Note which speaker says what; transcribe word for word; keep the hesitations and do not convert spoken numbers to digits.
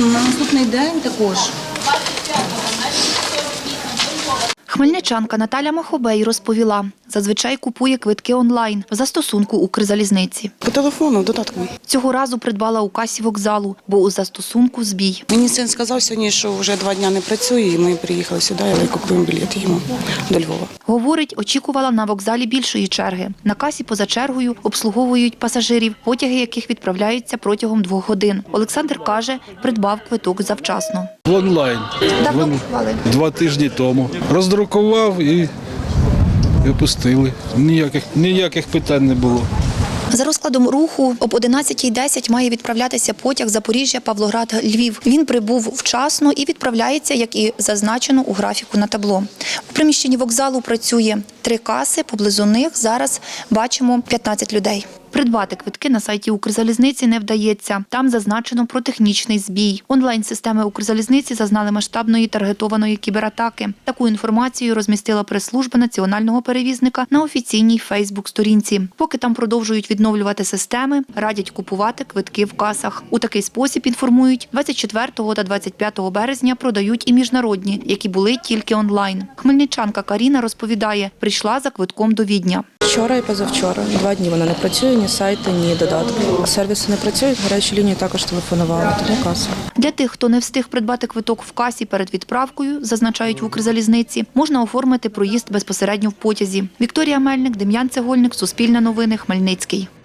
Speaker 1: На наступний день також.
Speaker 2: Хмельничанка Наталя Махобей розповіла, зазвичай купує квитки онлайн в застосунку Укрзалізниці.
Speaker 3: По телефону, додатком.
Speaker 2: Цього разу придбала у касі вокзалу, бо у застосунку збій.
Speaker 3: Мені син сказав сьогодні, що вже два дні не працює, і ми приїхали сюди, і купуємо білет їмо до Львова.
Speaker 2: Говорить, очікувала на вокзалі більшої черги. На касі поза чергою обслуговують пасажирів, потяги яких відправляються протягом двох годин. Олександр каже, придбав квиток завчасно.
Speaker 4: Онлайн.
Speaker 2: Давно
Speaker 4: Вон-
Speaker 2: купували?
Speaker 4: Два тижні тому. Роздрукував і, і опустили. Ніяких, ніяких питань не було.
Speaker 2: За розкладом руху об одинадцятій десять має відправлятися потяг Запоріжжя-Павлоград-Львів. Він прибув вчасно і відправляється, як і зазначено у графіку на табло. У приміщенні вокзалу працює три каси, поблизу них зараз бачимо п'ятнадцять людей. Придбати квитки на сайті Укрзалізниці не вдається. Там зазначено про технічний збій. Онлайн-системи Укрзалізниці зазнали масштабної таргетованої кібератаки. Таку інформацію розмістила прес-служба національного перевізника на офіційній Фейсбук-сторінці. Поки там продовжують відновлювати системи, радять купувати квитки в касах. У такий спосіб, інформують, двадцять четвертого та двадцять п'ятого березня продають і міжнародні, які були тільки онлайн. Хмельничанка Каріна розповідає, прийшла за квитком до Відня.
Speaker 5: Вчора і позавчора. Два дні вона не працює, ні сайти, ні додатки. Сервіси не працюють, гарячі лінії також телефонували, тому каса.
Speaker 2: Для тих, хто не встиг придбати квиток в касі перед відправкою, зазначають в Укрзалізниці, можна оформити проїзд безпосередньо в потязі. Вікторія Мельник, Дем'ян Цегольник, Суспільне новини, Хмельницький.